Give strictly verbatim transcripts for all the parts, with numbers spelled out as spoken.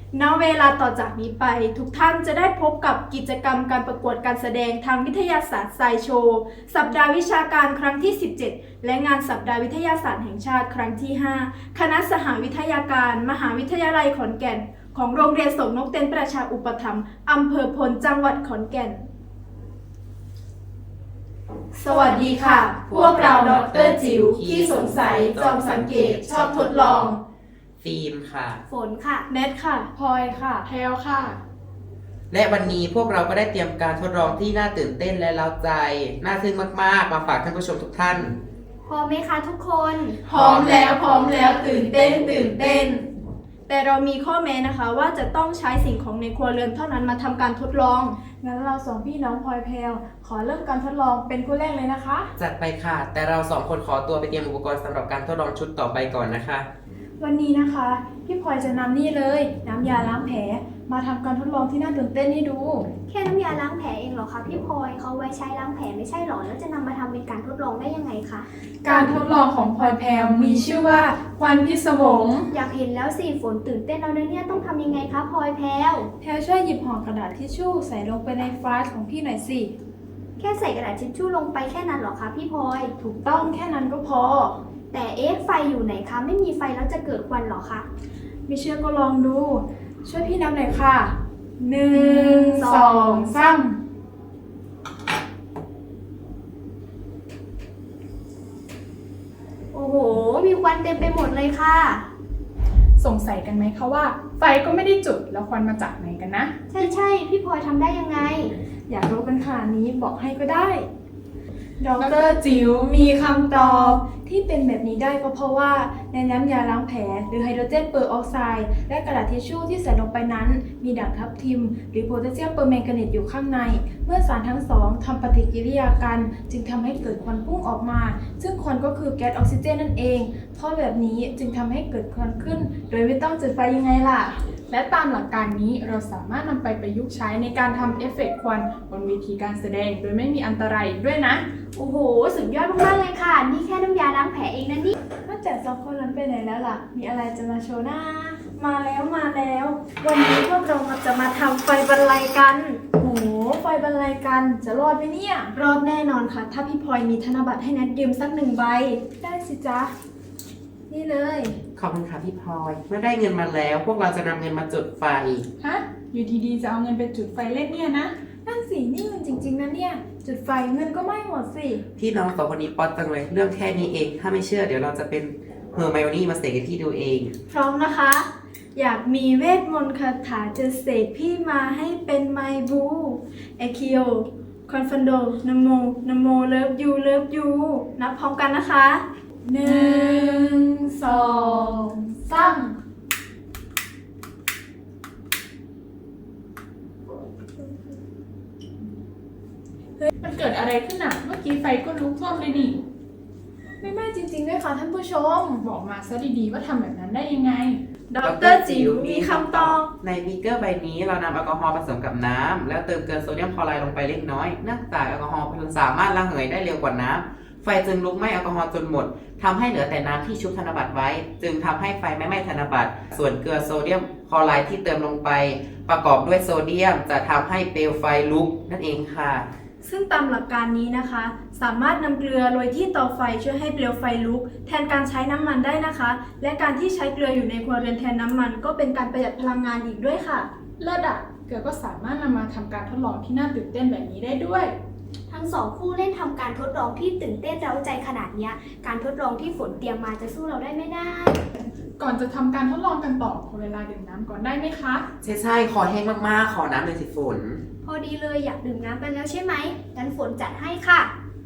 ณเวลาต่อจากนี้ไปทุกท่านจะได้พบกับกิจกรรมการประกวดการแสดงทางวิทยาศาสตร์ไซโชว์สัปดาห์วิชาการครั้งที่ สิบเจ็ด และงานสัปดาห์วิทยาศาสตร์แห่งชาติครั้งที่ ห้า คณะสหวิทยาการมหาวิทยาลัยขอนแก่นของโรงเรียนสงนกเต็นประชาอุปถัมภ์อำเภอพลจังหวัดขอนแก่นสวัสดีค่ะพวกเราดร.จิ๋วขี้สงสัยจอมสังเกตชอบทดลองฟิล์มค่ะฝนค่ะเนทค่ะพลอยค่ะแพลวค่ะและวันนี้พวกเราก็ได้เตรียมการทดลองที่น่าตื่นเต้นและเร้าใจน่าทึ่งมากๆมาฝากท่านผู้ชมทุกท่านพร้อมไหมคะทุกคนพร้อมแล้วพร้อมแล้วตื่นเต้นตื่นเต้นแต่เรามีข้อแม้นะคะว่าจะต้องใช้สิ่งของในครัวเรือนเท่านั้นมาทำการทดลองงั้นเราสองพี่น้องพลอยแพลวขอเริ่มการทดลองเป็นคู่แรกเลยนะคะจัดไปค่ะแต่เราสองคนขอตัวไปเตรียมอุปกรณ์สำหรับการทดลองชุดต่อไปก่อนนะคะวันนี้นะคะพี่พลอยจะนำนี่เลยน้ำยาล้างแผลมาทำการทดลองที่น่าตื่นเต้นให้ดูแค่น้ำยาล้างแผลเองเหรอคะพี่พลอยเขาไว้ใช้ล้างแผลไม่ใช่หรอแล้วจะนำมาทำเป็นการทดลองได้ยังไงคะการทดลองของพลอยแพลวมีชื่อว่าควันพิศวงอยากเห็นแล้วสิฝนตื่นเต้นแล้วนะเนี่ยต้องทำยังไงคะพลอยแพลวแพลวช่วยหยิบห่อกระดาษทิชชู่ใส่ลงไปในฟลาสของพี่หน่อยสิแค่ใส่กระดาษทิชชู่ลงไปแค่นั้นเหรอคะพี่พลอยถูกต้องแค่นั้นก็พอแต่เอ๊ะไฟอยู่ไหนคะไม่มีไฟแล้วจะเกิดควันเหรอคะไม่เชื่อก็ลองดูช่วยพี่นับหน่อยค่ะหนึ่งสองสามโอ้โหมีควันเต็มไปหมดเลยค่ะสงสัยกันไหมคะว่าไฟก็ไม่ได้จุดแล้วควันมาจากไหนกันนะใช่ใช่พี่พลอยทำได้ยังไงอยากรู้กันขนาดนี้บอกให้ก็ได้ดร.จิ๋วมีคำตอบที่เป็นแบบนี้ได้ก็เพราะว่าในน้ำยาล้างแผลหรือไฮโดรเจนเปอร์ออกไซด์และกระดาษทิชชู่ที่ใส่ลงไปนั้นมีด่างทับทิมหรือโพแทสเซียมเปอร์แมงกานีตอยู่ข้างในเมื่อสารทั้งสองทำปฏิกิริยากันจึงทำให้เกิดควันพุ่งออกมาซึ่งควันก็คือแก๊สออกซิเจนนั่นเองเพราะแบบนี้จึงทำให้เกิดควันขึ้นโดยไม่ต้องจุดไฟยังไงล่ะและตามหลักการนี้เราสามารถนำไปประยุกต์ใช้ในการทำเอฟเฟกต์ควันบนเวทีการแสดงโดยไม่มีอันตรายด้วยนะโอ้โหสุดยอดมากๆเลยค่ะนี่แค่น้ำยาล้างแผลเองนะนี่นอกจากสองคนนั้นไปไหนแล้วล่ะมีอะไรจะมาโชว์หน้ามาแล้วมาแล้ววันนี้พวกเราจะมาทำไฟบรรลัยกันโหไฟบรรลัยกันจะรอดไหมเนี่ยรอดแน่นอนค่ะถ้าพี่พลอยมีธนบัตรให้แนทยืมสักหนึ่งใบได้สิจ๊ะนี่เลยขอบคุณค่ะพี่พลอยเมื่อได้เงินมาแล้วพวกเราจะนำเงินมาจุดไฟฮะอยู่ดีๆจะเอาเงินไปจุดไฟเล่นเนี่ยนะนั่นสินี่เงินจริงๆนะเนี่ยจุดไฟเงินก็ไม่หมดสิพี่น้องสองคนนี้ป๊อตจังเลยเรื่องแค่นี้เองถ้าไม่เชื่อเดี๋ยวเราจะเป็นเฮอร์ไมโอนี่มาเสกให้พี่ดูเองพร้อมนะคะอยากมีเวทมนต์คาถาจะเสกพี่มาให้เป็นไมบูเอคิโอคอนฟันโดนโมนโมเลิฟยูเลิฟยูนับพร้อมกันนะคะหนึ่งสองสามเฮ้ยมันเกิดอะไรขึ้นอ่ะเมื่อกี้ไฟก็ลุกท่วมเลยนี่ไม่ไม่จริงๆด้วยค่ะท่านผู้ชมบอกมาซะดีๆว่าทำแบบนั้นได้ยังไงดร.จิ๋วมีคำตอบในบีเกอร์ใบนี้เรานำแอลกอฮอล์ผสมกับน้ำแล้วเติมเกลือโซเดียมคลอไรด์ลงไปเล็กน้อยเนื่องจากแอลกอฮอล์สามารถระเหยได้เร็วกว่าน้ำไฟจึงลุกไหม้แอลกอฮอล์จนหมดทำให้เหลือแต่น้ำที่ชุบธนบัตรไว้จึงทำให้ไฟไม่ไหม้ธนบัตรส่วนเกลือโซเดียมคลอไรด์ที่เติมลงไปประกอบด้วยโซเดียมจะทำให้เปลวไฟลุกนั่นเองค่ะซึ่งตามหลักการนี้นะคะสามารถนำเกลือโรยที่เตาไฟช่วยให้เปลวไฟลุกแทนการใช้น้ำมันได้นะคะและการที่ใช้เกลืออยู่ในครัวเรือนแทนน้ำมันก็เป็นการประหยัดพลังงานอีกด้วยค่ะเลิศอ่ะเกลือก็สามารถนำมาทำการทดลองที่น่าตื่นเต้นแบบนี้ได้ด้วยทั้งสองคู่เล่นทำการทดลองที่ตื่นเต้นเร้าใจขนาดนี้การทดลองที่ฝนเตรียมมาจะสู้เราได้ไม่ได้ก่อนจะทำการทดลองกันต่อขอเวลาดื่มน้ำก่อนได้ไหมคะใช่ใช่ขอแห้งมากๆขอน้ำเลยสิฝนพอดีเลยอยากดื่มน้ำกันแล้วใช่ไหมงั้นฝนจัดให้ค่ะ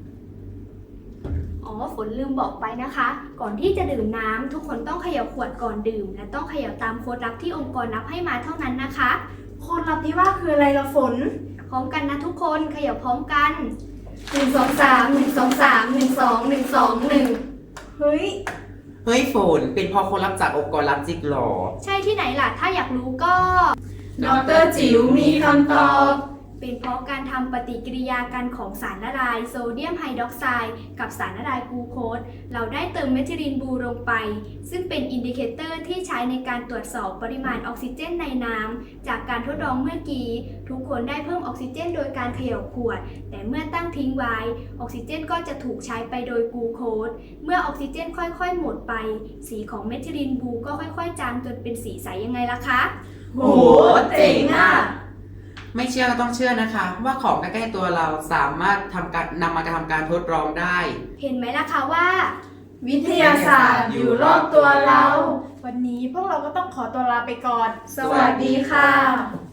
อ๋อฝนลืมบอกไปนะคะก่อนที่จะดื่มน้ำทุกคนต้องเขย่าขวดก่อนดื่มและต้องเขย่าตามโค้ดลับที่องค์กรนับให้มาเท่านั้นนะคะโค้ดลับที่ว่าคืออะไรล่ะฝนพร้อมกันนะทุกคนเขย่าพร้อมกันหนึ่งสองสามหนึ่งสองสามหนึ่งสองหนึ่งสองหนึ่งเฮ้ยเฮ้ยฝนเป็นพอคนรับจากองค์กรรับจิกหรอใช่ที่ไหนล่ะถ้าอยากรู้ก็ดร.จิ๋วมีคำตอบเป็นเพราะการทำปฏิกิริยากันของสารละลายโซเดียมไฮดรอกไซด์กับสารละลายกลูโคสเราได้เติมเมทิลินบลูลงไปซึ่งเป็นอินดิเคเตอร์ที่ใช้ในการตรวจสอบปริมาณออกซิเจนในน้ำจากการทดลองเมื่อกี้ทุกคนได้เพิ่มออกซิเจนโดยการเขย่าขวดแต่เมื่อตั้งทิ้งไว้ออกซิเจนก็จะถูกใช้ไปโดยกลูโคสเมื่อออกซิเจนค่อยๆหมดไปสีของเมทิลินบลูก็ค่อยๆจางจนเป็นสีใสยังไงล่ะคะโหเจ๋งอ่ะไม่เชื่อก็ต้องเชื่อนะคะ ว่าของใกล้ๆตัวเราสามารถทำการนำมาทำการทดลองได้เห็นไหมล่ะคะว่าวิทยาศาสตร์อยู่รอบตัวเราวันนี้พวกเราก็ต้องขอตัวลาไปก่อนสวัสดีค่ะ